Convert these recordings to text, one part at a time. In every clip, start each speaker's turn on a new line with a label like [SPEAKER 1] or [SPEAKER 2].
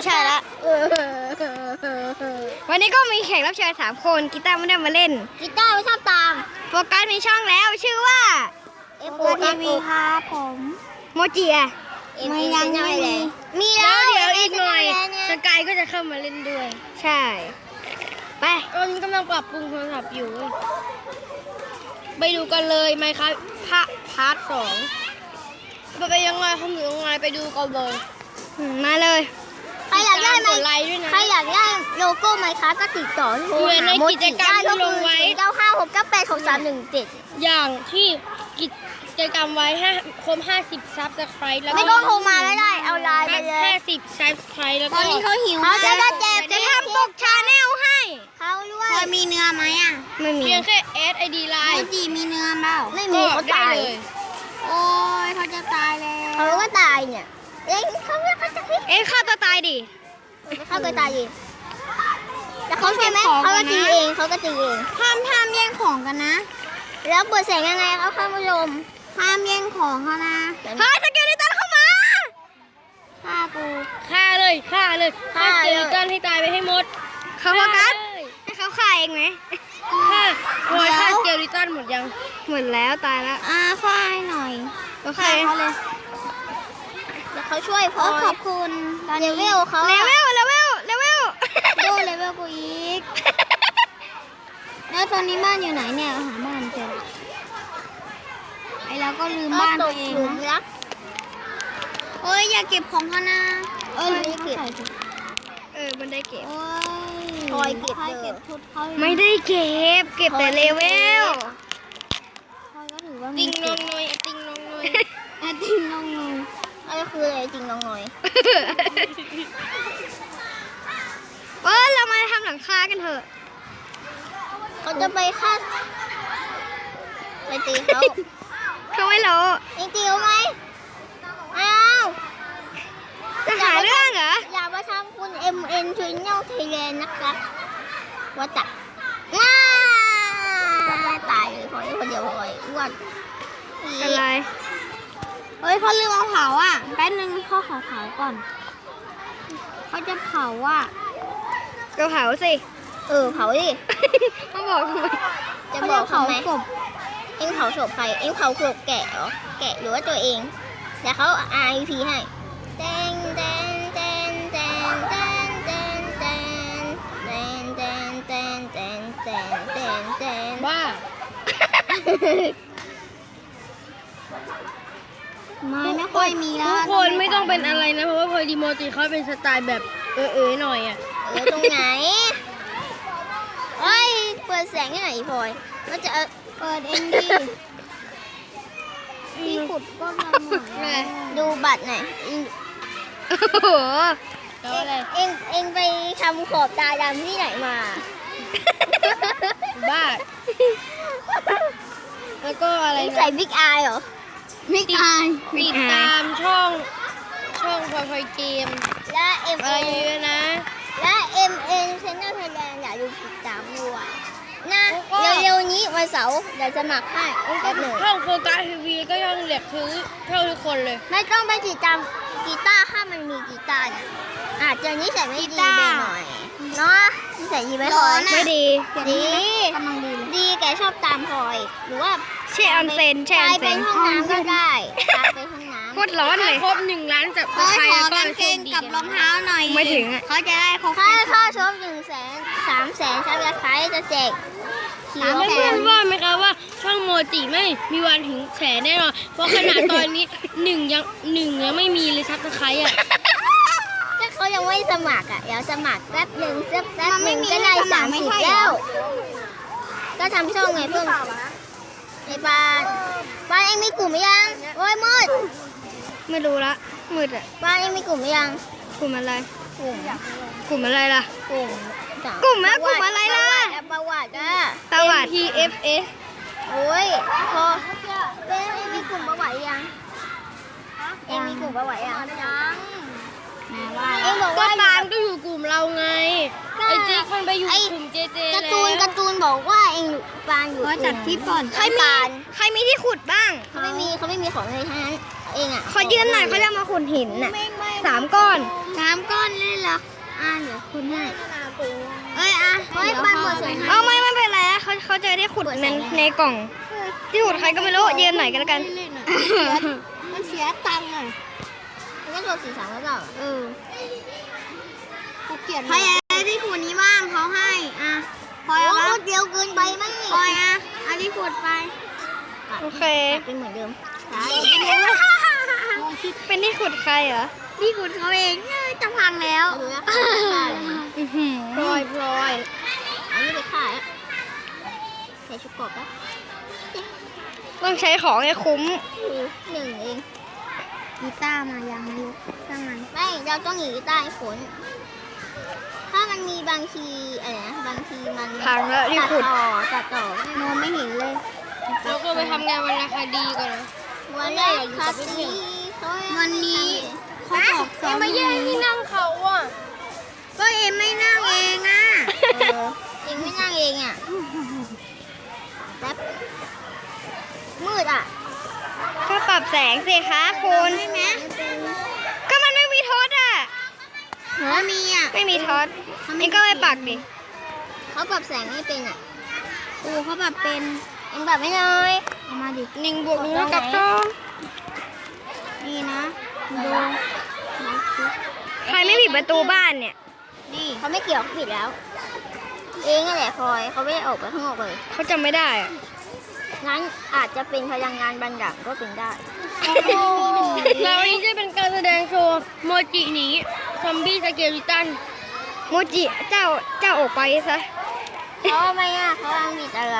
[SPEAKER 1] ใช่ละวันนี้ก็มีแขกรับเชิญ3 คนกีตาร์ไม่ได้มาเล่นกีตาร์ไม่ชอบตามโฟกัสมีช่องแล้วชื่อว่า
[SPEAKER 2] FOTV ครับผม
[SPEAKER 1] โมจิอะ
[SPEAKER 2] ไม่ยังไม่มี
[SPEAKER 1] แล้วเดี๋ยวอีกหน่อยสกายก็จะเข้ามาเล่นด้วยใช่ไปตอนนี้กำลังปรับปรุงโทรศัพท์อยู่ไปดูกันเลยไหมครับพาร์ท 2ไปยังไงเขาหรือยังไงไปดูกันเลยมาเลยใครอยากได้ไหมใครอยากได้โลโก้ไหมคะก็ติดต่อโทรหาโมจิได้ก็คือ956986317
[SPEAKER 2] อย่างที่กิจกรรมไว้ครบ50 ซับสไครต์แล้ว
[SPEAKER 1] ไม่ต้องโทรมาไม่ได้เอาไลน์ไปเลย
[SPEAKER 2] 50 ซับสไครต์แล้วก็
[SPEAKER 1] ตอนนี้เขาหิวเขาจะทำปกชาแนลให้เขาด้วย
[SPEAKER 2] เคยมีเนื้อไหมอ่ะ
[SPEAKER 1] ไม่มี
[SPEAKER 2] เพียงแค่ SID ไลน์
[SPEAKER 1] โมจิมีเนื้อเปล่าไม่มีเขาตาย
[SPEAKER 2] โอ้ยเขาจะตายแล้ว
[SPEAKER 1] เขาก็ตายเนี่ยฆ่าตัวตายดิฆ่าตัวตายดิแต่เขาใช่ไหมเขาก็ตีเอง
[SPEAKER 2] ห้ามแย่งของกันนะ
[SPEAKER 1] แล้วเปิดแสงยังไงเขาเข้ามาลม
[SPEAKER 2] ห้ามแย่งของเขานะ
[SPEAKER 1] เฮ้ยสเกลิตันเข้ามา
[SPEAKER 2] ฆ่าเลยฆ่าสเกลิตันให้ตายไปให้หมด
[SPEAKER 1] เขาโฟกัสให้เขาฆ่าเองไหม
[SPEAKER 2] ฆ่าสเกลิตันหมดยัง
[SPEAKER 1] หมดแล้วตายแล้ว
[SPEAKER 2] ฆ่าหน่อย
[SPEAKER 1] โอเค
[SPEAKER 2] เขาเลย
[SPEAKER 1] เดี๋ยวเขาช่วยพอ
[SPEAKER 2] ขอบคุณ
[SPEAKER 1] เลเวลเขาเลเวล
[SPEAKER 2] โดเลเวลกูอีกแล้วตอนนี้บ้านอยู่ไหนเนี่ยหาบ้านเจอไอเราก็ลืมบ้านตัวเองนะเอ้ยอย่าเก็บของเขานะ
[SPEAKER 1] ไม่เก็บมันได้เก็บ
[SPEAKER 2] คอยเก็บชุดเขา
[SPEAKER 1] ไม่ได้เก็บแต่เลเวล
[SPEAKER 2] ติงน้องน้อยติงน้องน้อย
[SPEAKER 1] อะไรคืออะไรจริงน้องน้อยเรามาทำหลังคากันเถอะเขาจะไปฆ่าไปตีเขาไม่รู้ตีเขาไหมจะหาเรื่องเหรออย่ามาทำคุณ MN ชุนเน่าไทยแลนด์นะครับว่าจัดตายเลยคนเดียวอ้วนอะไร
[SPEAKER 2] เฮ้ยเขาลืมเอาเผาอ่ะแป๊บนึงเขาขอเผาก่อนเขาจะเผาอ่ะ
[SPEAKER 1] ก็เผาสิเผาดิมาบอกทำไมจะบอกทำไมเอ็งเผาศพใครเอ็งเผาศพแกะเหรอแกะหรือว่าตัวเองเดี๋ยวเขา RIP ให้แตง
[SPEAKER 2] บ้าไม่ค่อยมีแล้วทุกคนไม่ต้องเป็นอะไรนะเพราะว่าพอดีโมจิเขาเป็นสไตล์แบบหน่อยอ่ะ
[SPEAKER 1] ตรงไหนเปิดแสงให้หน่อยพลอยแล้วจะ
[SPEAKER 2] เปิดเองดิที่ขุดก็มาหมด
[SPEAKER 1] ดูบัตรหน่อยเอ็งไปทำขอบตาดำที่ไหนมา
[SPEAKER 2] บ้าแล้วก็อะไร
[SPEAKER 1] ใส่บิ๊กอายเหรอ
[SPEAKER 2] บิ๊กอายติดตามช่องพอยเกม
[SPEAKER 1] และ
[SPEAKER 2] อะไรเยอะนะ
[SPEAKER 1] และ MN Channel Thailand อย่าลืมติดตามด้วยนะเร็วๆนี้วันเสาร์เดี๋ยวจะสมัครให้แป๊บหนึ่ง
[SPEAKER 2] ช่องโฟกัสทีวีก็ยังเหลือถือเท่าทุกคนเลย
[SPEAKER 1] ไม่ต้องไปติดตามกีตาร์ถ้ามันมีกีตาร์เนี่ยอาจจะนิสัยไม่ดีไปหน่อยเนาะนิสัยดีไม่พอ
[SPEAKER 2] ไม่ดี
[SPEAKER 1] ดีแกชอบตามพลอยหรือว่า
[SPEAKER 2] แช่ออนเซน
[SPEAKER 1] ไปห้องน้ำก็ได้ไปห้องน้ำ
[SPEAKER 2] โคตรร้อนเลยครบ1 ล้านจับใครแล้วก็
[SPEAKER 1] กางเกงกับรองเท้าหน่อย
[SPEAKER 2] ไม่ถึง
[SPEAKER 1] เขาจะได้ค่าชม100,000 300,000ซับสไครต์จะแจก
[SPEAKER 2] เพื่อนว่าไหมคะว่าช่องโมจิไม่มีวันถึงแสนแน่นอนเพราะขนาดตอนนี้หนึ่งยังไม่มีเลยซับสไครต์อ่ะ
[SPEAKER 1] ถ้าเขายังไม่สมัครเดี๋ยวสมัครแป๊บหนึ่งก็ได้30แล้วก็ทำช่องไงเพิ่งในบ้านเองมีกลุ่มยังโอ้ยมืด
[SPEAKER 2] ไม่รู้ละมืดอ่ะ
[SPEAKER 1] บ้านเองมีกลุ่มยัง
[SPEAKER 2] กลุ่มอะไร
[SPEAKER 1] กลุ่ม
[SPEAKER 2] อะไรล่ะ
[SPEAKER 1] กลุ่ม
[SPEAKER 2] อะไรล่ะ
[SPEAKER 1] ประวัติ
[SPEAKER 2] PFS
[SPEAKER 1] โอ้ยพอเองมีกลุ่มประวัติยังเองมีกลุ่มประวัติยังเองบอกว่า
[SPEAKER 2] ปานก็อยู่กลุ่มเราไงไอ้จิ๊กมันไปอยู่กลุ่มเจ
[SPEAKER 1] การ์ตูนบอกว่าเองปานอยู่
[SPEAKER 2] จัดที่ก่อน
[SPEAKER 1] ใครมีที่ขุดบ้างเขาไม่มีของเลยทั้งนั้นเองอ่ะ
[SPEAKER 2] ขอยืนหน่อยเขาจะมาขุดหินน่ะ3 ก้อน
[SPEAKER 1] ไหน
[SPEAKER 2] 3 ก้อนเลยเหรอเดี๋ยวคุณให้เอ้ยเฮ้ยปลาหมดใส่
[SPEAKER 1] เอาไม่เป็นไรอะเขาจะได้ขุดในกล่องที่ขุดใครก็ไม่รู้ยืนหน่อยกันแล้วกัน
[SPEAKER 2] มันเสียตังค์อ่ะมันก็โดน4-3แล้วเปล่ากูเกลียดใครที่ขุดนี้บ้างเขาให้พลอยเอาเดียวเกินไปมั้งพลอยอันที่ขุดไป
[SPEAKER 1] โอเค
[SPEAKER 2] เป็นเหมือนเดิม
[SPEAKER 1] เป็นที่ขุดใครเหรอ
[SPEAKER 2] ที่ขุดเขาเองจะพังแล้ว
[SPEAKER 1] พลอย
[SPEAKER 2] อันนี้ไปขายใส่ชุดกบปะ
[SPEAKER 1] ต้องใช้ของให้คุ้ม
[SPEAKER 2] 1 เองกีตาร์มายังไม่รู้ช่างมันไม่เราต้องหนีกีตาร์ให้ผลถ้ามันมีบางทีอะไรนะบางทีมัน
[SPEAKER 1] พังแล้วรีบขุด
[SPEAKER 2] ตัดต่อมองไม่เห็นเลย
[SPEAKER 1] เราก็ไปทำงานวรรณคดีก่อนนะ
[SPEAKER 2] วันแรกคาซีวันนี้เขาบอกสอน
[SPEAKER 1] มาแย่งที่นั่งเขาอ่ะ
[SPEAKER 2] ก็เอ็มไม่นั่งเองเองไม่นั่งเองแป๊บมืด
[SPEAKER 1] ก็ปรับแสงสิคะคุณ
[SPEAKER 2] ใช่ไหม
[SPEAKER 1] ก็มันไม่มีทศอ่ะ
[SPEAKER 2] มี
[SPEAKER 1] ไม่มีทศนี่ก็ไปปักดิ
[SPEAKER 2] เขาปรับแสงไม่เป็นเขาปรับเป็นเองปรับไม่เลยเอามาดิ
[SPEAKER 1] 1 บวก 1 เท่ากับ 2
[SPEAKER 2] นี่นะดู
[SPEAKER 1] ใครไม่ปิดประตูบ้านเนี่ย
[SPEAKER 2] นี่เขาไม่เกี่ยวเขาผิดแล้ว เองนั่นแหละพลอยเขาไม่ได้ออกไปข้างนอกเลย
[SPEAKER 1] เขาจำไม่ได้อะ
[SPEAKER 2] งั้นอาจจะเป็นพลังงานบางอย่างก็เป็นได้
[SPEAKER 1] แล้ววันนี้จะเป็นการแสดงโชว์โมจิหนีซอมบี้สเกลิตันโมจิเจ้าออกไปซะ
[SPEAKER 2] เพราะไม่เขาวางผิดอะไร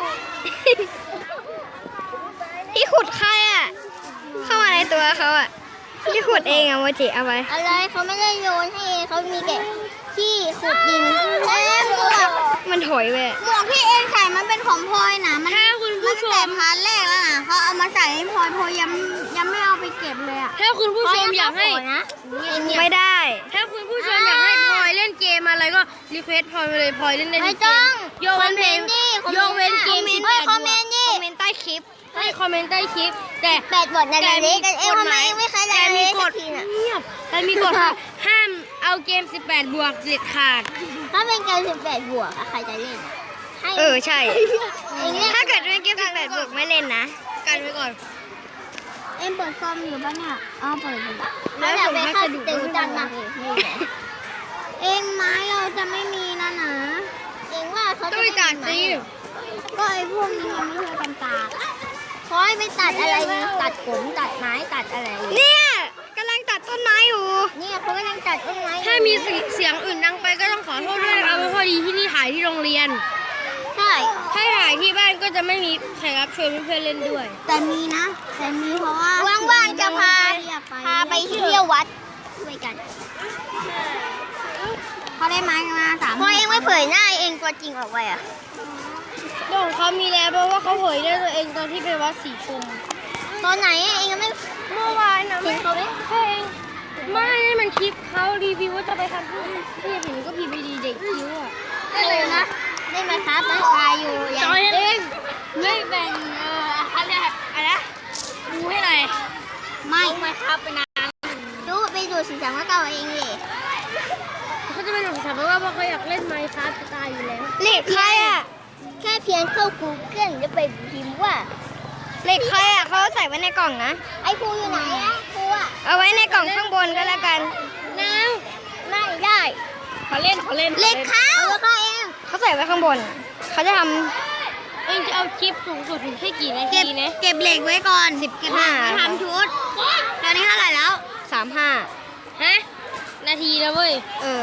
[SPEAKER 1] ที่ขุดใครอ่ะ เข้ามาในตัวเขาอ่ะที่ขุดเองอ่ะโมจิเอาไป
[SPEAKER 2] อะไรเขาไม่ได้โยนให้เองเขามีแค่ที่ขุดดินหมวก
[SPEAKER 1] มันถอยไป
[SPEAKER 2] หมวกที่เองใส่มันเป็นของพลอยนะมัน
[SPEAKER 1] ถ้าคุณผู้ช
[SPEAKER 2] แต่
[SPEAKER 1] ม
[SPEAKER 2] พาร์ทแรกแล้วนะเขาเอามาใส่ให้พลอยยังไม่เอาไปเก็บเลย
[SPEAKER 1] ถ้าคุณผู้ชมอยากให้
[SPEAKER 2] นะ
[SPEAKER 1] ไม่ได้ ถ้าคุณผู้ชมอยากให้พลอยเล่นเกมอะไรก็รีเควสพลอยมาเลยพลอยเล่นได้ทุ
[SPEAKER 2] ไม่
[SPEAKER 1] กเก
[SPEAKER 2] ต้อ
[SPEAKER 1] ม
[SPEAKER 2] ง
[SPEAKER 1] ยกเว้นเพลงยกเว้นเกม18
[SPEAKER 2] คอมเมนต์ดิ
[SPEAKER 1] คอมเมนต์ใต้คลิปให้คอมเมนต์ใต้คลิป แต่
[SPEAKER 2] 8 บทในเล็กเอ็มทำไมไม่เคย
[SPEAKER 1] แต่
[SPEAKER 2] เล่น
[SPEAKER 1] มี
[SPEAKER 2] เล็ก
[SPEAKER 1] กฎ
[SPEAKER 2] ทีน่ะ
[SPEAKER 1] เงียบแต่มีกฎห้ามเอาเกม18 บวกเด็ดขาด
[SPEAKER 2] ถ้าเป็นเกม18 บวกใครจะเล่นให้
[SPEAKER 1] ใช่ ถ้าเกิดเป็นเกม18 บวกไม่เล่นนะ กันไว้ก่อน
[SPEAKER 2] เอ็มเปิดคอมอยู่ปะเนี่ยเปิดอยู่
[SPEAKER 1] แล้วส่งพัสดุ
[SPEAKER 2] ตึงจังนะเองไม้เราจะไม่มีนะเองว่าเขาจะ
[SPEAKER 1] ต้องไปตัดสิ
[SPEAKER 2] ก็ไอ้พวกนี้มันไม่เคยกันตาคอยไปตัดอะไรตัดผมตัดไม้ตัดอะไร
[SPEAKER 1] เนี่ยกำลังตัดต้นไม้อยู่
[SPEAKER 2] เนี่ยเขากำลังตัดต้นไม้
[SPEAKER 1] ถ้ามีเสียงอื่นดังไปก็ต้องขอโทษด้วยนะครับเพราะพอดีที่นี่ถ่ายที่โรงเรียน
[SPEAKER 2] ใช่
[SPEAKER 1] ถ้าถ่ายที่บ้านก็จะไม่มีแขกรับเชิญเพื่อนๆเล่นด้วย
[SPEAKER 2] แต่มีเพราะว่าว่างๆจะพาไปเที่ยววัดด้วยกันเขาได้ไม้มา3พอเองไม่เผยหน้าเองตัวจริงออกไป
[SPEAKER 1] เรื่องของเขามีแล้วเพราะว่าเขาเผยได้ตัวเองตอนที่ไปวัดสีชุม
[SPEAKER 2] ตอนไหนเองยังไม่
[SPEAKER 1] เมื่อวานนะ
[SPEAKER 2] เห็นเขาไหม
[SPEAKER 1] เพลงไม่นี่มันคลิปเขารีวิวว่าจะไปทำที่เห็นก็พีพีดีเด็กคิ้วอ่ะ
[SPEAKER 2] ได้เลยนะได้ไหมครับได้พาอยู่
[SPEAKER 1] จอยเองไม่แบ่งอะไรดูให้หน่อย
[SPEAKER 2] ไม่ครับไปนานไปดูสีสันว่าเก่าเองเลย
[SPEAKER 1] เขาจะเป็นหนุ่มสาวเพราะว่าเขาอยากเล่นไมค์ครับจะตายอยู่แล้วเหล็กใครอ่ะ
[SPEAKER 2] แค่เพียงเข้า Google จะไปพิมพ์ว่า
[SPEAKER 1] เหล็กใครอ่ะเขาใส่ไว้ในกล่องนะ
[SPEAKER 2] ไอ้ครูอยู่ไหนอะครูอะ
[SPEAKER 1] เอาไว้ในกล่องข้างบนก็แล้วกัน
[SPEAKER 2] น้ไม่ได้
[SPEAKER 1] เขาเล่น
[SPEAKER 2] เล็กเขาเอง
[SPEAKER 1] เขาใส่ไว้ข้างบน เขาจะทำเองจะเอาคลิปสูงสุดถึงแค่กี่นาทีนะ
[SPEAKER 2] เก็บเหล็กไว้ก่อน
[SPEAKER 1] 15
[SPEAKER 2] ทำชุดตอนนี้เท่าไหร่แล้ว
[SPEAKER 1] 35ฮะนาทีแล้วเว้ย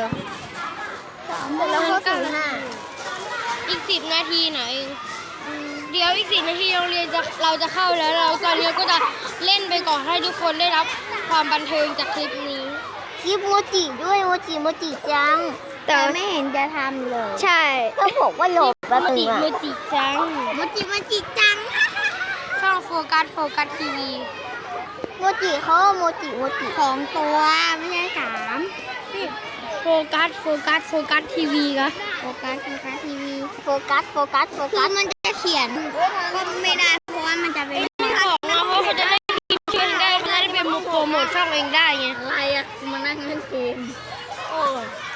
[SPEAKER 2] แล้วก็
[SPEAKER 1] อีก10 นาทีไหนเดี๋ยวอีก10 นาทีโรงเรียนเราจะเข้าแล้วเราตอนนี้ก็จะเล่นไปก่อนให้ทุกคนได้รับความบันเทิงจากคลิปนี้
[SPEAKER 2] คลิปโมจิด้วยโมจิจังแต่ไม่เห็นจะทำเลย
[SPEAKER 1] ใช่
[SPEAKER 2] ก็บอกว่าหลบแป๊บนึง
[SPEAKER 1] โมจิจัง
[SPEAKER 2] โมจิจัง
[SPEAKER 1] ช่องโฟกัสทีวี
[SPEAKER 2] โมจิเขาโมจิ2 ตัวไม่ใช่3
[SPEAKER 1] โฟกัสทีวีครับ
[SPEAKER 2] โฟกัสทีวีโฟกัสคือมันจะเขียนก็ไม่ได้เพราะว่ามันจะเป็น
[SPEAKER 1] ไม่ออกนะเพราะเขาจะได้คลิปช่วยได้เขาจะได้เป็นมุกโฟรโมทช่องเองได้ไง
[SPEAKER 2] อะไรอ่ะมานั่งเล่นเกมโอ้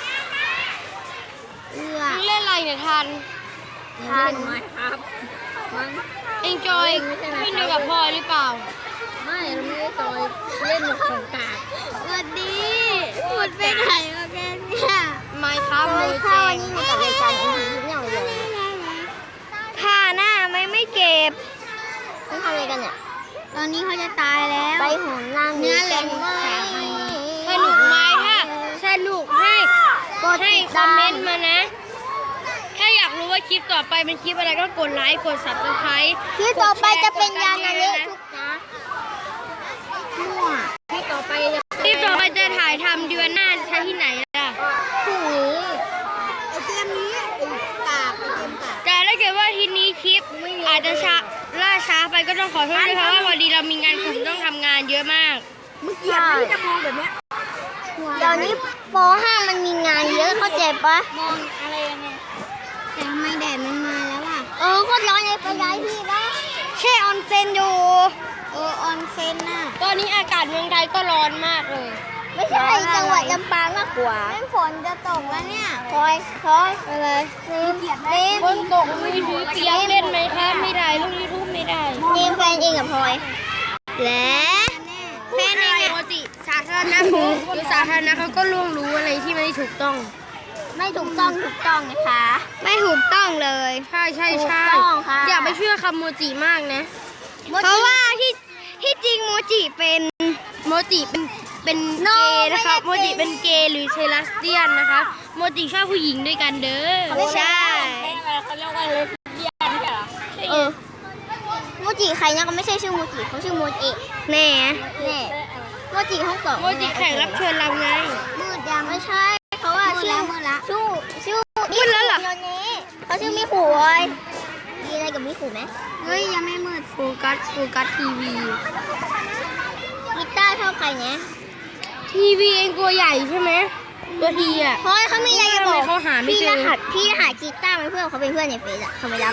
[SPEAKER 2] เอื้อ
[SPEAKER 1] มึงเล่นอะไรเนี่ยทัน
[SPEAKER 2] ทันไหมครับมัน
[SPEAKER 1] เองจอยไม่ดูกับพ่อหรือเปล่า
[SPEAKER 2] ไม่เราไม่ได้จอยเล่นหมดของกากสวัสดีพูดไปไหนมาแกเนี่ย
[SPEAKER 1] ไม่ครับโมเจง
[SPEAKER 2] กับรายการเอ็นทีเนี่ยเลยผ่าหน้าไม่เก็บต้องทำอะไรกันเนี่ยตอนนี้เขาจะตายแล้วไปหอนล่างเนื้อแหลมมาก
[SPEAKER 1] สนุกไหมถ้าสนุกให้คอมเมนต์มานะ ถ้าอยากรู้ว่าคลิปต่อไปเป็นคลิปอะไรก็กดไลค์กด Subscribe
[SPEAKER 2] คลิปต่อไปจะเป็นยานาเละทุกนะมั่วคลิปต่อไปจะ
[SPEAKER 1] คลิปต่อไปจะถ่ายทำเดือนหน้าใช้ที่ไหนล่ะ
[SPEAKER 2] พรุ่งนี้ไอเกมนี้กากไอเกมกาก
[SPEAKER 1] แต่ถ้าเกิดว่าทีนี้คลิปอาจจะล่าช้าไปก็ต้องขอโทษด้วยเพราะว่าพอดีเรามีงานกลุ่มต้องทำงานเยอะมาก
[SPEAKER 2] มึงเกลียดที่จะมองแบบเนี้ยเดี๋ยวนี้ป .5 มันมีงานเยอะเข้าใจปะมองอะไรยังไงแต่ทำไมแดดมันมาแล้วอ่ะโคตรร้อนเลยไปย้ายที่ได้แช่ออนเซ็นอยู่ออนเซ็นน่ะ
[SPEAKER 1] ตอนนี้อากาศเมืองไทยก็ร้อนมากเลย
[SPEAKER 2] ไม่ใช่จังหวัดลำปางมากกว่าฝนจะตกแล้วเนี่ยคอยอะไรเล่น
[SPEAKER 1] ฝนตกมือถือเปียกเล่นไหมครับไม่ได้ลงยูทูบไม่ได้
[SPEAKER 2] เกมแฟนเองกับพลอยและแฟนเอง
[SPEAKER 1] ปกติสาธารณะหรือสาธารณะเขาก็ล่วงรู้อะไรที่ไม่ถูกต้อง
[SPEAKER 2] ไม่ถูกต้องนะคะ ไม่ถูกต้องเลย
[SPEAKER 1] ใช่
[SPEAKER 2] ถูกต้องค่ะ
[SPEAKER 1] อย่าไปเชื่อคำโมจิมากนะ
[SPEAKER 2] เพราะว่าที่จริงโมจิเป็น
[SPEAKER 1] โมจิเป็นเกย์นะครับโมจิเป็นเกย์หรือเทลัสเตียนนะคะโมจิชอบผู้หญิงด้วยกันเด้อ
[SPEAKER 2] ไม่ใช่
[SPEAKER 1] เขาเรียกว่าเลสเตียนใช่เหรอ
[SPEAKER 2] โมจิใครนะก็ไม่ใช่ชื่อโมจิเขาชื่อโมจิแน่โมจิห้องสอง
[SPEAKER 1] โมจิแข่งรับเชิญเราไง
[SPEAKER 2] มืดยังไม่ใช่เขาว่าชื่อชื่อมืดแล้วเหรอเขาชื่อมิขุเลยมีอะไรกับมิขุไหมเฮ้ยยังไม่มืด
[SPEAKER 1] โฟกัสทีวี
[SPEAKER 2] กีตาร์ชอบใครนะ
[SPEAKER 1] ทีวีเองตัวใหญ่ใช่ไหมตัวทีอ่ะ
[SPEAKER 2] เพราะเขามีอะไรจะบอก
[SPEAKER 1] เขาหาไม่เจอ
[SPEAKER 2] พี่รหัสกีตาร์เป็นเพื่อนเขาเป็นเพื่อนในเฟซอะเขาไม่รับ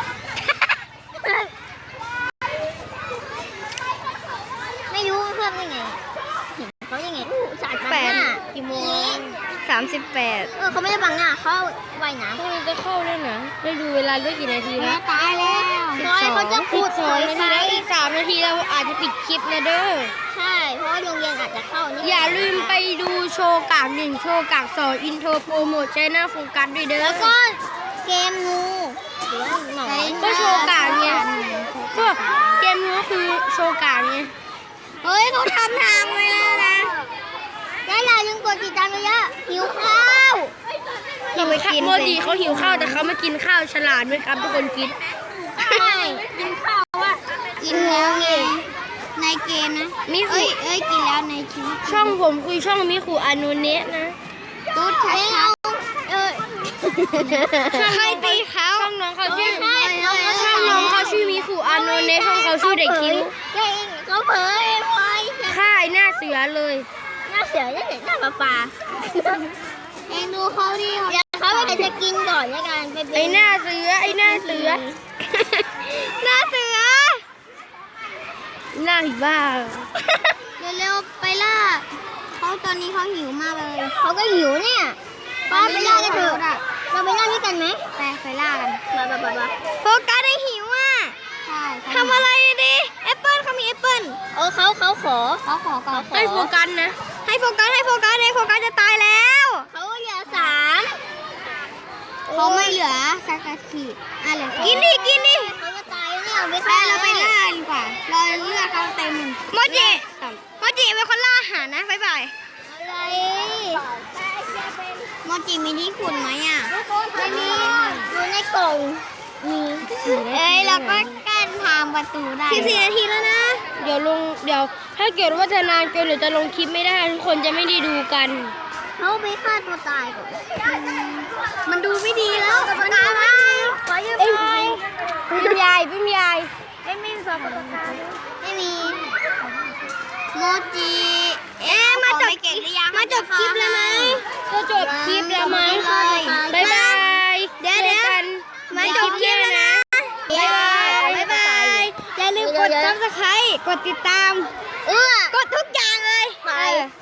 [SPEAKER 2] ไม่รู้เพื่อนได้ไงเห็นเขายังไงสาดบังหน้ากี่โมง38เขาไม่ได้บังหน้าเขาว่ายน้ำ
[SPEAKER 1] พรุ่งนี้จะเข้าด้วยนะได้ดูเวลาด้วยกี่นาทีแล้ว
[SPEAKER 2] ตายแล้วเขาจะ
[SPEAKER 1] พู
[SPEAKER 2] พู
[SPEAKER 1] ด
[SPEAKER 2] ด
[SPEAKER 1] 2 นาทีแล้วอีก3 นาทีเราอาจจะปิดคลิปนะเด้อ
[SPEAKER 2] ใช่ เพราะว่าโรงเรียนอาจจะเข้านี่
[SPEAKER 1] อย่าลืมไปดูโชว์กาก1โชว์กาก2อินโทรโปรโมทใช้หน้าโฟกัสด้วยเด้อ
[SPEAKER 2] แล้วก็เกมงูหรือว่าหนอน
[SPEAKER 1] ก็โชว์กากไงก็เกมนี้ก็คือโชว์กากไง
[SPEAKER 2] เฮ้ยเขาทำทางไว้แล้วนะได้เรายังกดติดตามเยอะหิวข้าว
[SPEAKER 1] โมจิเขาหิวข้าวแต่เขาไม่กินข้าวฉลาดไหมครับทุกคนคิด
[SPEAKER 2] ไม่กินข้าวอ่ะกินแล้วไงในเกมนะ
[SPEAKER 1] มิคุ
[SPEAKER 2] เอ้ยกินแล้วในชีวิต
[SPEAKER 1] ช่องผมคุยช่องมิคุอานุเนะนะ
[SPEAKER 2] ตุ๊ดชัดใครตีเขา
[SPEAKER 1] ช่องน้องเขาชื่อช่องน้องเขาชื่อมิคุอานุเนะช่องเขาชื่อเด็กคิ้ว
[SPEAKER 2] เขาเผยพลอย
[SPEAKER 1] ค่ายหน้าเสือเลย
[SPEAKER 2] หน้าเสือเนี่ยหน้าปลาเองดูเขาดิเดี๋ยวเขาไปจะกินก่อนในการไป
[SPEAKER 1] ไอหน้าเสือไอหน้าเสือ
[SPEAKER 2] หน้าเสือ
[SPEAKER 1] หน้าหิบ้า
[SPEAKER 2] เร็วๆไปล่าเขาตอนนี้เขาหิวมากเลยเขาก็หิวเนี่ยป้าไปล่ากันเถอะเราไปล่าด้วยกันไหมไปล่ากันมาโฟกัสได้หิวอ่ะใช่ทำอะไรดิแอปเปิ้ลเขามีแอปเปิ้ลเขาขอก่อน
[SPEAKER 1] ให้โฟกัสนะ
[SPEAKER 2] ให้โฟกัสจะตายแล้วเขาเหลือ3เขาไม่เหลือสักขีดเหลือกินดิเขาจะตายเนี่ยเอาไปฆ่าเราไปล่าดีกว่าเราเลือกเขาเต็มโมจิเป็นคนล่าอาหารนะบ๊ายบายอะไรโมจิมีที่ขุดไหมอ่ะไม่มีอยู่ในกล่องมีเราก็กั้นทางประตูได้14 นาทีแล้วนะ
[SPEAKER 1] เดี๋ยวถ้าเกิดว่าจะนานเกินหรือจะลงคลิปไม่ได้ทุกคนจะไม่ได้ดูกัน
[SPEAKER 2] เขาไปฆ่าตัวตายก่อนมันดูไม่ดีแล้วมันดูไม่ดีขอยืมหน่อย
[SPEAKER 1] เป็นยาย
[SPEAKER 2] ไม่มีสอบประกาศไม่มีโมจิมาจบคลิปเลยไหม
[SPEAKER 1] จะจบคลิปแล้วไหมบ๊ายบาย
[SPEAKER 2] เดี๋ยว
[SPEAKER 1] กัน
[SPEAKER 2] มาจบคลิปแล้วนะบ๊ายบายอย่าลืมกด Subscribe กดติดตามกดทุกอย่างเลย
[SPEAKER 1] าย